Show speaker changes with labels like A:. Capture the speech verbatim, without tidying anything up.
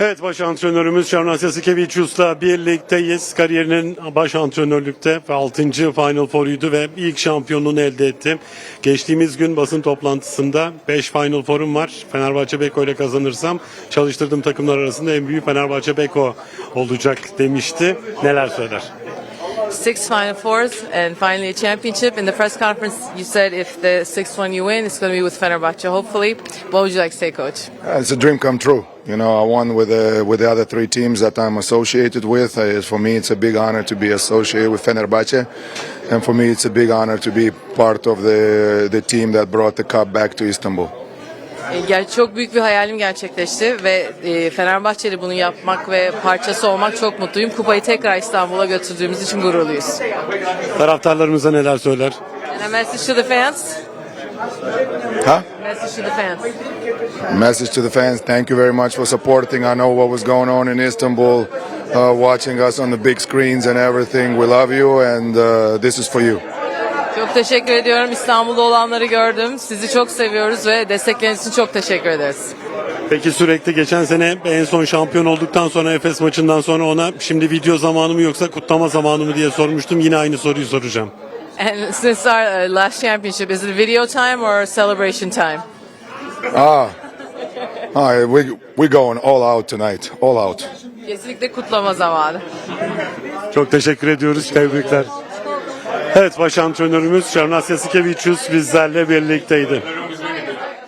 A: Evet, baş antrenörümüz Şarnas Yasikevicius'la birlikteyiz. Kariyerinin baş antrenörlükte ve altıncı Final Four'uydu ve ilk şampiyonluğunu elde etti. Geçtiğimiz gün basın toplantısında beş Final Four'um var. Fenerbahçe Beko ile kazanırsam çalıştırdığım takımlar arasında en büyük Fenerbahçe Beko olacak demişti. Neler söyler?
B: Six Final Fours and finally a championship. In the press conference, you said if the sixth one you win, it's going to be with Fenerbahçe, hopefully. What would you like to say, Coach?
C: Uh, It's a dream come true. You know, I won with the with the other three teams that I'm associated with. Uh, for me, it's a big honor to be associated with Fenerbahçe, and for me, it's a big honor to be part of the the team that brought the cup back to Istanbul.
B: E, ger- Çok büyük bir hayalim gerçekleşti ve e, Fenerbahçe'de bunu yapmak ve parçası olmak çok mutluyum. Kupayı tekrar İstanbul'a götürdüğümüz için gururluyuz.
A: Taraftarlarımıza neler söyler?
B: And a message to the fans?
C: Huh?
B: Message to the fans.
C: Message to the fans: thank you very much for supporting. I know what was going on in Istanbul, uh, watching us on the big screens and everything. We love you, and uh, this is for you.
B: Çok teşekkür ediyorum. İstanbul'da olanları gördüm. Sizi çok seviyoruz ve destekleriniz için çok teşekkür ederiz.
A: Peki sürekli geçen sene en son şampiyon olduktan sonra Efes maçından sonra ona şimdi video zamanı mı yoksa kutlama zamanı mı diye sormuştum. Yine aynı soruyu soracağım.
B: And since our uh, last championship, is it video time or celebration time?
C: Ah, ah, we we going all out tonight, all out.
B: Kesinlikle kutlama zamanı.
A: Çok teşekkür ediyoruz. Tebrikler. Evet, baş antrenörümüz Şarnas Yasikevicius bizlerle birlikteydi.